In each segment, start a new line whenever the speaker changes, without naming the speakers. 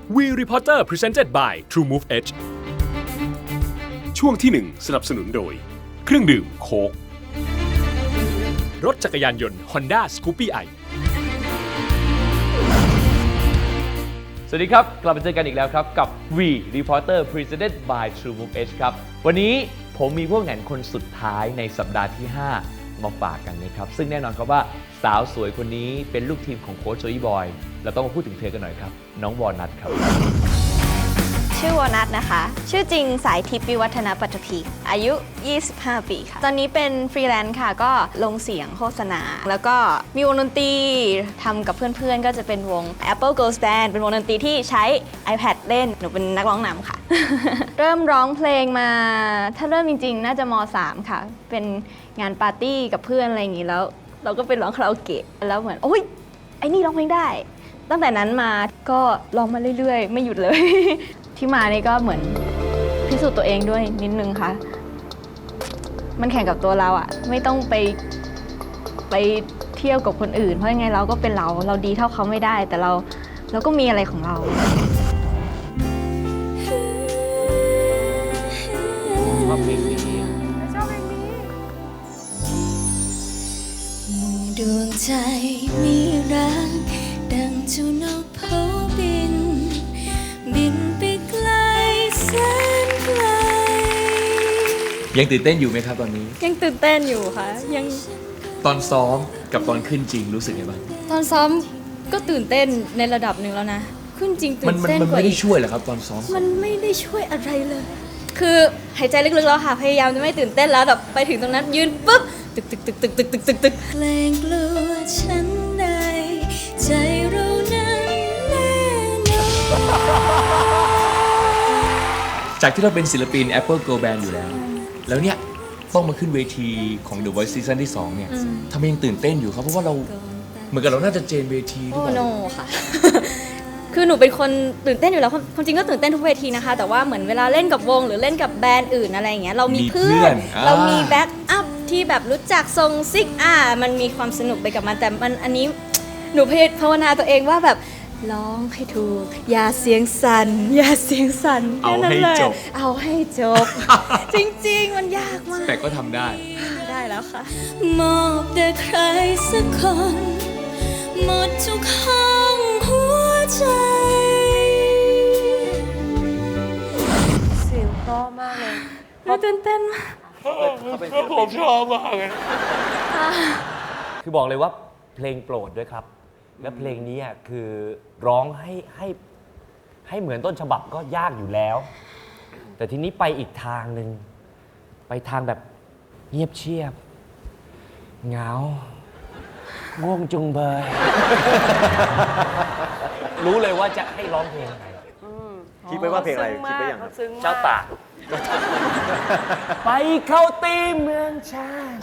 We Reporter Presented by TrueMove Edge ช่วงที่ 1 สนับสนุนโดยเครื่องดื่มโค้กรถจักรยานยนต์ Honda Scoopy i
สวัสดีครับกลับมาเจอกันอีกแล้วครับกับ We Reporter Presented by TrueMove Edge ครับวันนี้ผมมีพวกแหนคนสุดท้ายในสัปดาห์ที่ 5 มาฝากกันนะครับซึ่งแน่นอนครับว่าสาวสวยคนนี้เป็นลูกทีมของโค้ชโจอี้บอยเราต้องมาพูดถึงเธอกันหน่อยครับน้องวอลนัทครับ
ชื่อวอลนัทนะคะชื่อจริงสายทิพย์วิวัฒนาปัตภีอายุ 25 ปีค่ะตอนนี้เป็นฟรีแลนซ์ค่ะก็ลงเสียงโฆษณาแล้วก็มีวงดนตรีทำกับเพื่อนๆก็จะเป็นวง Apple Girls Band เป็นวงดนตรีที่ใช้ iPad เล่นหนูเป็นนักร้องนำค่ะ เริ่มร้องเพลงมาถ้าเริ่มจริงๆน่าจะม.3 ค่ะเป็นงานปาร์ตี้กับเพื่อนอะไรอย่างนี้แล้วเราก็ไปร้องคาราโอเกะแล้วเหมือนโอ้ยไอ้นี่ร้องเพลงได้ตั้งแต่นั้นมาก็ร้องมาเรื่อยๆไม่หยุดเลย ที่มานี่ก็เหมือนพิสูจน์ตัวเองด้วยนิดนึงค่ะมันแข่งกับตัวเราอะไม่ต้องไปเที่ยวกับคนอื่นเพราะยังไงเราก็เป็นเราดีเท่าเขาไม่ได้แต่เราก็มีอะไรของเรา
ชอบเพลงนี้
ดวงใจมีรักดังเจ้านกโผบินไปไกลแสนไกล
ยังตื่นเต้นอยู่ไหมครับตอนนี้
ยังตื่นเต้นอยู่ค่ะยัง
ตอนซ้อมกับตอนขึ้นจริงรู้สึกไงบ้าง
ตอนซ้อมก็ตื่นเต้นในระดับหนึ่งแล้วนะขึ้นจริงตื่นเต้นกว่า
มันไม่ได้ช่วยเหรอครับตอนซ้อม
มันไม่ได้ช่วยอะไรเลยคือหายใจลึกๆแล้วค่ะพยายามจะไม่ตื่นเต้นแล้วแบบไปถึงตรงนั้นยืนปุ๊บตึก
เพลงกลัวฉันในใจเรานั้นแน่นอน
จากที่เราเป็นศิลปิน Apple Girl Band อยู่แล้วเนี่ยต้องมาขึ้นเวทีของ The Voice Season ที่ 2 เนี่ยทำไมยังตื่นเต้นอยู่ครับเพราะว่าเราเหมือนกับเราน่าจะเจนเวทีด้วย
โอ้โนค่ะ คือหนูเป็นคนตื่นเต้นอยู่แล้วความจริงก็ตื่นเต้นทุกเวทีนะคะแต่ว่าเหมือนเวลาเล่นกับวงหรือเล่นกับแบรนด์อื่นอะไรอย่างเงี้ยเรามีเพื่อนเรามีแบ็กอัพที่แบบรู้จักทรงซิกมันมีความสนุกไปกับมันแต่มันอันนี้หนูภาวนาตัวเองว่าแบบร้องให้ถูกอย่าเสียงสั่น
เอาให้จบ
เอาให้จบ จริงๆมันยากมาก
แต่ก็ทำได้
แล้วค่ะ
มอบแด่ใครสักคนหมดทุกห้องหัวใจ
เสียงเพราะมากเลยตื่นเต้นมาก
ผมชอบมากเลยคือบอกเลยว่าเพลงโปรดด้วยครับและเพลงนี้คือร้องให้เหมือนต้นฉบับก็ยากอยู่แล้วแต่ทีนี้ไปอีกทางหนึ่งไปทางแบบเงียบเชียบเหงาง่วงจุงเบยรู้เลยว่าจะให้ร้องเพลงอะไร
คิดไปว่าเพลงอะไรคิดไปอย่าง
เจ้าตากไปเข้าตีเมืองชาติ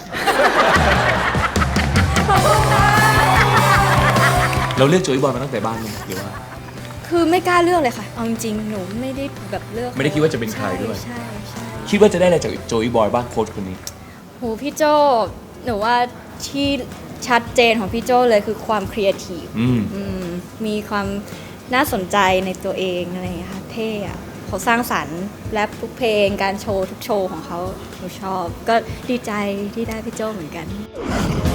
เราเลือกโจอี้บอยมาตั้งแต่บ้านมั้ยหรือว่า
คือไม่กล้าเลือกเลยค่ะเอาจริงๆหนูไม่ได้แบบเลือก
ไม่ได้คิดว่าจะเป็นใครด้วย
ใช่
คิดว่าจะได้อะไรจากโจอี้บอยบ้างโค้ชคนนี้
โหพี่โจหนูว่าที่ชัดเจนของพี่โจเลยคือความครีเอทีฟมีความน่าสนใจในตัวเองอะไรอย่างเงี้ยค่ะเท่อะเขาสร้างสรรค์แรปทุกเพลงการโชว์ทุกโชว์ของเขาหนูชอบก็ดีใจที่ได้พี่โจเหมือนกัน